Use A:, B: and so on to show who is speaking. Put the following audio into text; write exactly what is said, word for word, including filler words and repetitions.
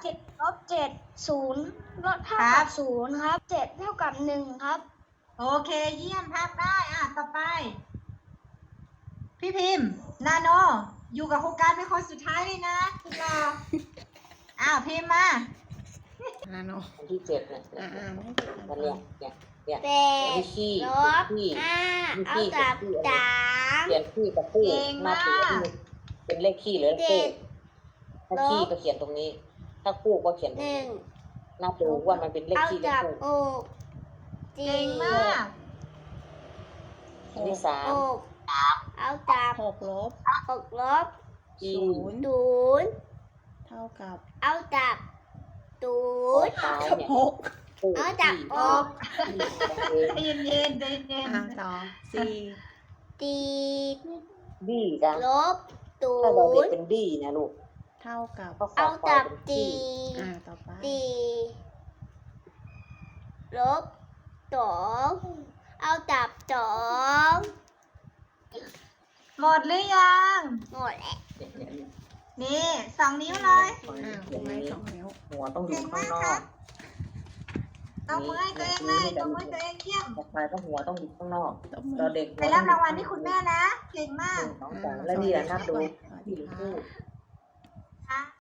A: เจ็ดลบเจ็ดศูนย์ลดเท่า
B: ครั
A: กับ บศูนย์ครับเจ็ดเท่ากับหนึ่งครับ
B: โอเคเยี่ยมภาพได้อ่ะต่อไป พี่พิมพ์นาโนอยู่กับโครงการเป็นคนสุดท้ายเลยนะคุณรออ้าวพิมพ์มา
C: นาโน
D: อันที่เจ็ดเนี่ย
C: อ่าอ่าไม่ได้
D: มันเนี่ยเนี่ยเนี่ย
A: แปด
D: วิขี้
A: ลบ
D: ขี้
A: ห้า
D: วิ
A: เอา
D: ขี้
A: กับ
D: ขี้
A: สาม
D: เขียนขี้กับคู่
B: เก่ง
D: หน้าตัว
B: มาก
D: ที่เป็นเลขขี้หรือเลข
A: เจ็
D: คู่
A: ด
D: ถ้าขี้
A: ลบ
D: ก็เขียนตรงนี้ ถ้าคู่ก็เขียนตร
A: ห
D: งนี้
A: นึ่ง
D: หน้าตัวว่ามันเป็นเลข
A: เอา
D: ขี้เลข
A: กับ
D: คู่
A: อกจี
B: เก่งมาก
D: อันที่สาม
A: อกเอากับ
C: หกลบ
A: อกลบ
D: ขี้
C: ศูนย์
A: ศูนย์
C: เท่ากับ
A: เอากับศู
D: โอ้
A: นย์
D: ตายเนี่ย
C: หก
D: คู่
A: เอาจาก
D: ขี้
A: อก
D: ขี้
B: ใจเย็นๆใจเย็น
C: อ่าต่อสี่
A: ตีด
D: บี้จ้ะ
A: ลบศู
D: ถ้าเราเด็ก
A: นย์
D: เป็นบี้นะลูก
C: เท่ากับ
D: ก็ขอ
A: เอา
D: ควา
A: กั
D: ย
A: บ
D: เป็น
A: ตี
D: ขี้
C: อ่าต่อไป
A: ตีลบสองเอากับสอง
B: ๆหมดหรือยัง
A: หมดแล้ว
B: นี่สองนิ้วเลย
C: อ่าคุณไม่สองนิ้ว
D: หัวต้องอยู่
B: เก่ง
D: ข้าง
B: มาก
D: นอ
B: ครั
D: ก
B: บ ต้องมือให้ตัวเองเลยต้องมือให้ตัวเองเยี่ยม
D: ต่อไปต้องหัวต้องอยู่ข้างนอก
C: ตบมือ
D: เราเด็ก
B: ไปรับรางวัลที่คุณแม่นะ เก่งมาก
D: น้องสาวและนี่แหละนับดู
C: สวัส
D: ที่
C: ดี
D: หรือ
C: ค่ะ
D: คู่